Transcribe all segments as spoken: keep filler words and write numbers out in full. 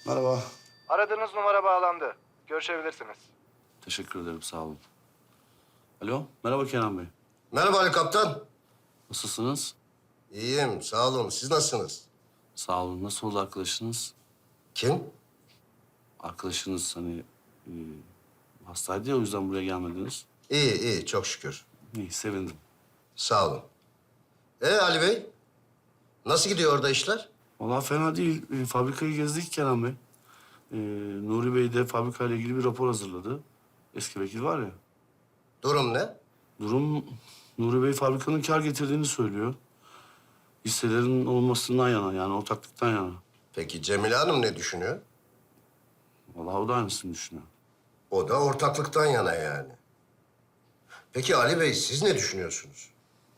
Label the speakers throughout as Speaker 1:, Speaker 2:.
Speaker 1: Merhaba.
Speaker 2: Aradığınız numara bağlandı. Görüşebilirsiniz.
Speaker 1: Teşekkür ederim, sağ olun. Alo, merhaba Kenan Bey.
Speaker 3: Merhaba Ali Kaptan.
Speaker 1: Nasılsınız?
Speaker 3: İyiyim, sağ olun. Siz nasılsınız?
Speaker 1: Sağ olun. Nasıl oldu arkadaşınız?
Speaker 3: Kim?
Speaker 1: Arkadaşınız hani e, hastaydı ya, o yüzden buraya gelmediniz.
Speaker 3: İyi, iyi. Çok şükür.
Speaker 1: İyi, sevindim.
Speaker 3: Sağ olun. Ee Ali Bey? Nasıl gidiyor orada işler?
Speaker 1: Vallahi fena değil. E, fabrikayı gezdik Kenan Bey. E, Nuri Bey de fabrikayla ilgili bir rapor hazırladı. Eski vekil var ya.
Speaker 3: Durum ne?
Speaker 1: Durum, Nuri Bey fabrikanın kar getirdiğini söylüyor. Hisselerin olmasından yana, yani ortaklıktan yana.
Speaker 3: Peki Cemile Hanım ne düşünüyor?
Speaker 1: Vallahi o da aynısını düşünüyor.
Speaker 3: O da ortaklıktan yana yani. Peki Ali Bey, siz ne düşünüyorsunuz?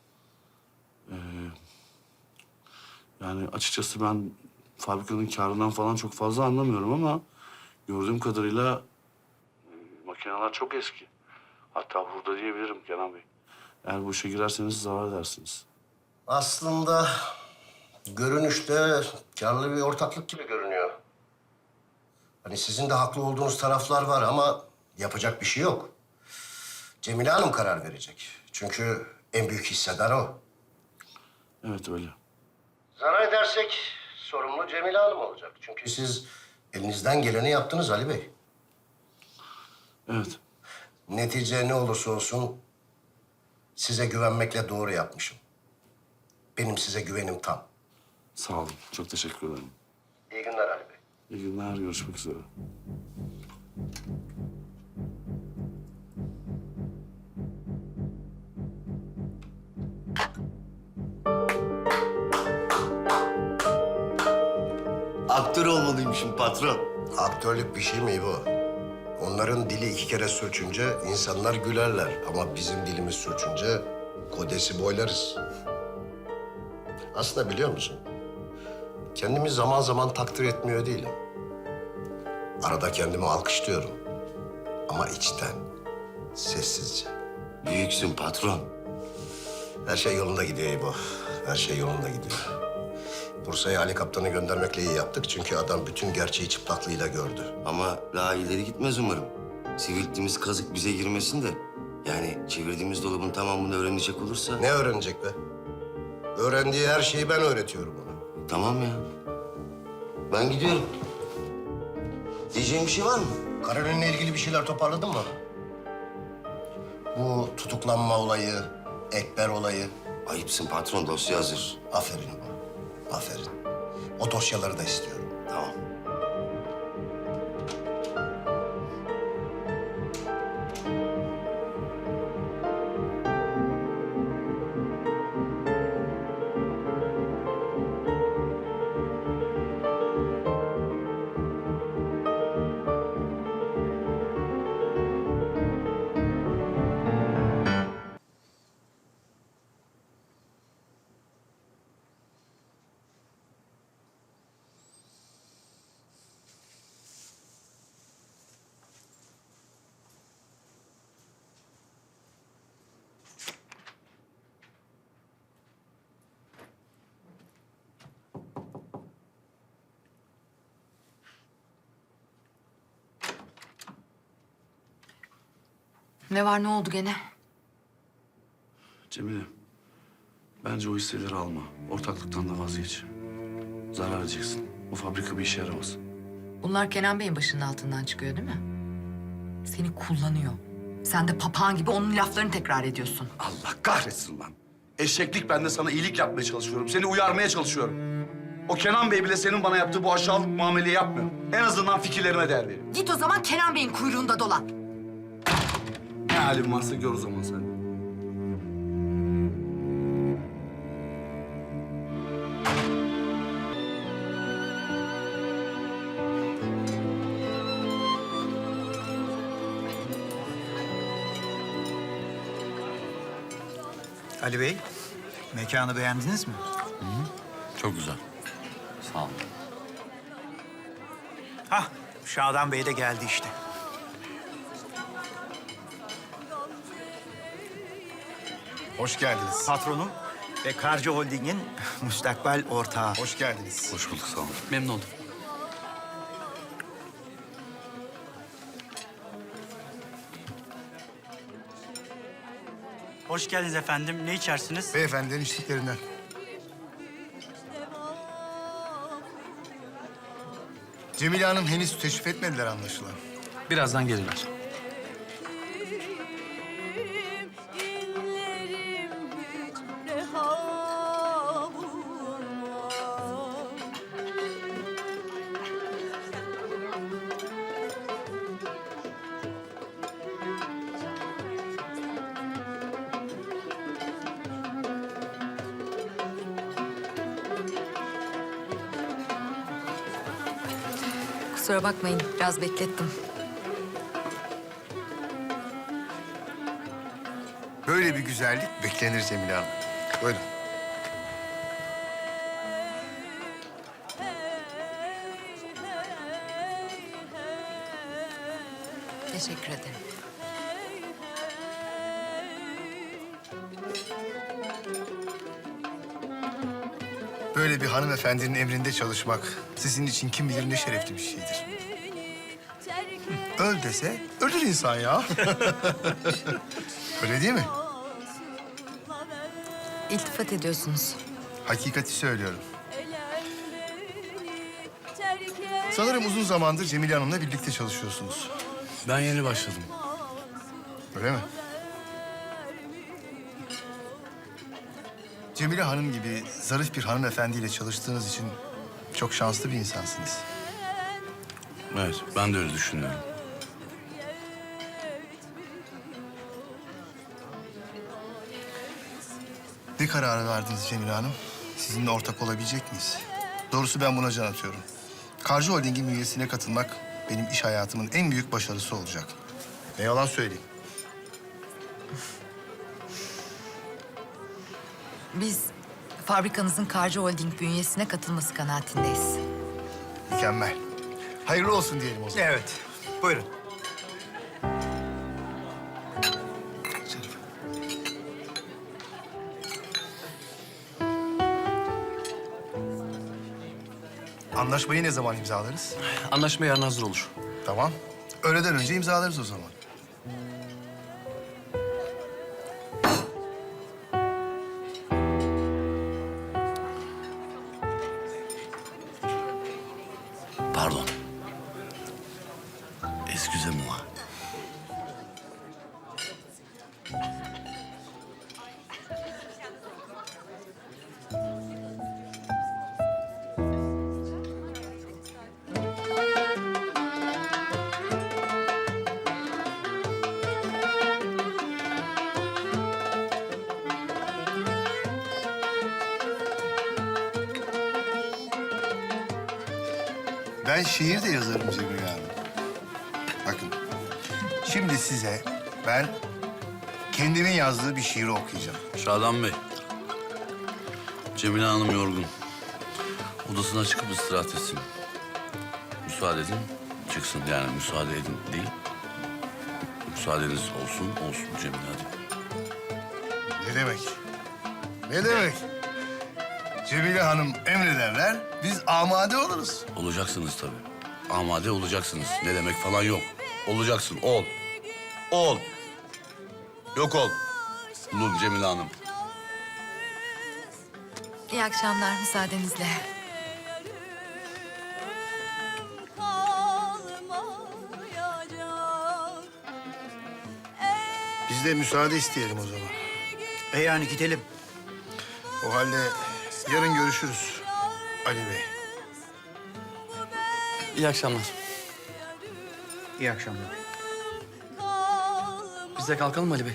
Speaker 1: Yani açıkçası ben fabrikanın karından falan çok fazla anlamıyorum ama gördüğüm kadarıyla e, makineler çok eski. Hatta hurda diyebilirim Kenan Bey. Eğer bu işe girerseniz zarar edersiniz.
Speaker 3: Aslında görünüşte karlı bir ortaklık gibi görünüyor. Hani sizin de haklı olduğunuz taraflar var ama yapacak bir şey yok. Cemile Hanım karar verecek. Çünkü en büyük hissedar o.
Speaker 1: Evet öyle.
Speaker 3: Zarar edersek sorumlu Cemile Hanım olacak. Çünkü siz elinizden geleni yaptınız Ali Bey.
Speaker 1: Evet.
Speaker 3: Netice ne olursa olsun size güvenmekle doğru yapmışım. Benim size güvenim tam.
Speaker 1: Sağ olun. Çok teşekkür ederim.
Speaker 3: İyi günler Ali Bey.
Speaker 1: İyi günler. Görüşmek üzere.
Speaker 4: Aktör olmalıymışım patron.
Speaker 3: Aktörlük bir şey mi bu? Onların dili iki kere sürçünce insanlar gülerler. Ama bizim dilimiz sürçünce kodesi boylarız. Aslında biliyor musun? Kendimi zaman zaman takdir etmiyor değilim. Arada kendimi alkışlıyorum. Ama içten, sessizce.
Speaker 4: Büyüksün patron.
Speaker 3: Her şey yolunda gidiyor İbo. Her şey yolunda gidiyor. Bursa'ya Ali Kaptan'ı göndermekle iyi yaptık. Çünkü adam bütün gerçeği çıplaklığıyla gördü.
Speaker 4: Ama daha ileri gitmez umarım. Sivilttiğimiz kazık bize girmesin de. Yani çevirdiğimiz dolabın tamamını öğrenecek olursa...
Speaker 3: Ne öğrenecek be? Öğrendiği her şeyi ben öğretiyorum ona.
Speaker 4: Tamam ya. Ben gidiyorum. Diyeceğin bir şey var mı?
Speaker 3: Karolin'le ilgili bir şeyler toparladın mı? Bu tutuklanma olayı, Ekber olayı.
Speaker 4: Ayıpsın patron, dosya hazır.
Speaker 3: Aferin İbo, aferin. O dosyaları da istiyorum.
Speaker 4: Tamam.
Speaker 5: Ne var, ne oldu gene?
Speaker 1: Cemile, bence o hisseleri alma. Ortaklıktan da vazgeç. Zarar edeceksin. O fabrika bir işe yaramaz.
Speaker 5: Bunlar Kenan Bey'in başının altından çıkıyor değil mi? Seni kullanıyor. Sen de papağan gibi onun laflarını tekrar ediyorsun.
Speaker 6: Allah kahretsin lan. Eşeklik, ben de sana iyilik yapmaya çalışıyorum. Seni uyarmaya çalışıyorum. O Kenan Bey bile senin bana yaptığı bu aşağılık muameleyi yapmıyor. En azından fikirlerime değer veriyor.
Speaker 5: Git o zaman Kenan Bey'in kuyruğunda dolan.
Speaker 6: Ne halin varsa gör o zaman sen.
Speaker 7: Ali Bey, mekanı beğendiniz mi?
Speaker 1: Çok güzel. Sağ olun.
Speaker 7: Hah, Şadan Bey de geldi işte.
Speaker 8: Hoş geldiniz.
Speaker 7: Patronum ve Karca Holding'in müstakbel ortağı.
Speaker 8: Hoş geldiniz.
Speaker 1: Hoş bulduk, sağ olun. Memnun oldum.
Speaker 7: Hoş geldiniz efendim. Ne içersiniz?
Speaker 8: Beyefendinin içtiklerinden. Cemile Hanım henüz teşrif etmediler anlaşılan.
Speaker 6: Birazdan gelirler.
Speaker 9: İnlerim hiç reha bulmaz.
Speaker 5: Kusura bakmayın, biraz beklettim.
Speaker 8: Böyle bir güzellik beklenir Cemile Hanım. Buyurun.
Speaker 5: Teşekkür ederim.
Speaker 8: Böyle bir hanımefendinin emrinde çalışmak sizin için kim bilir ne şerefli bir şeydir. Öl dese ölür insan ya. Öyle değil mi?
Speaker 5: İltifat ediyorsunuz.
Speaker 8: Hakikati söylüyorum. Sanırım uzun zamandır Cemile Hanım'la birlikte çalışıyorsunuz.
Speaker 1: Ben yeni başladım.
Speaker 8: Öyle mi? Cemile Hanım gibi zarif bir hanımefendiyle çalıştığınız için çok şanslı bir insansınız.
Speaker 1: Evet, ben de öyle düşünüyorum.
Speaker 8: Ne kararı verdiniz Cemile Hanım? Sizinle ortak olabilecek miyiz? Doğrusu ben buna can atıyorum. Karcı Holding'in üyesine katılmak benim iş hayatımın en büyük başarısı olacak. Ne yalan söyleyeyim.
Speaker 5: Biz fabrikanızın Karcı Holding bünyesine katılması kanaatindeyiz.
Speaker 8: Mükemmel. Hayırlı olsun diyelim o zaman.
Speaker 7: Evet. Buyurun.
Speaker 8: Anlaşmayı ne zaman imzalarız?
Speaker 6: Anlaşma yarın hazır olur.
Speaker 8: Tamam. Öğleden önce imzalarız o zaman.
Speaker 1: Pardon. Excusez-moi.
Speaker 8: Ben şiir de yazarım Cemile Hanım. Bakın, şimdi size ben kendimin yazdığı bir şiiri okuyacağım.
Speaker 1: Şadan Bey. Cemile Hanım yorgun. Odasına çıkıp istirahat etsin. Müsaade edin, çıksın. Yani müsaade edin değil. Müsaadeniz olsun, olsun Cemile hadi.
Speaker 8: Ne demek? Ne demek? Cemile Hanım emrederler, biz amade oluruz.
Speaker 1: Olacaksınız tabii. Amade olacaksınız. Ne demek falan yok. Olacaksın, ol. Ol. Yok ol. Bulun Cemile Hanım.
Speaker 5: İyi akşamlar müsaadenizle.
Speaker 8: Biz de müsaade isteyelim o zaman.
Speaker 7: E yani gidelim.
Speaker 8: O halde yarın görüşürüz Ali Bey.
Speaker 6: İyi akşamlar.
Speaker 7: İyi akşamlar.
Speaker 6: Biz de kalkalım Ali Bey.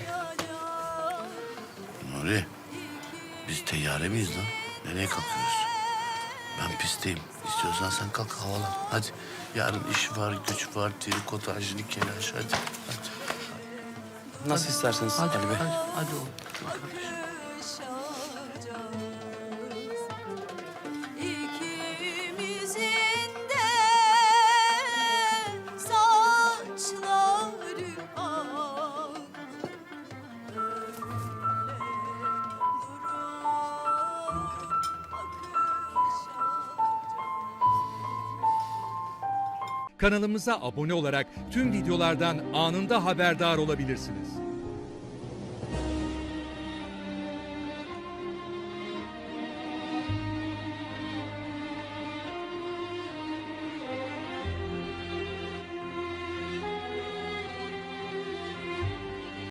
Speaker 1: Nuri, biz teyyare miyiz lan? Nereye kalkıyoruz? Ben pistteyim. İstiyorsan sen kalk havalan. Hadi. Yarın iş var, güç var, trikotajlı kelaş. Hadi, hadi.
Speaker 6: Nasıl isterseniz
Speaker 1: Hadi,
Speaker 6: Ali Bey.
Speaker 1: hadi, hadi oğlum. Kardeşim.
Speaker 9: İkimizin de saçları ak.
Speaker 10: Kanalımıza abone olarak tüm videolardan anında haberdar olabilirsiniz.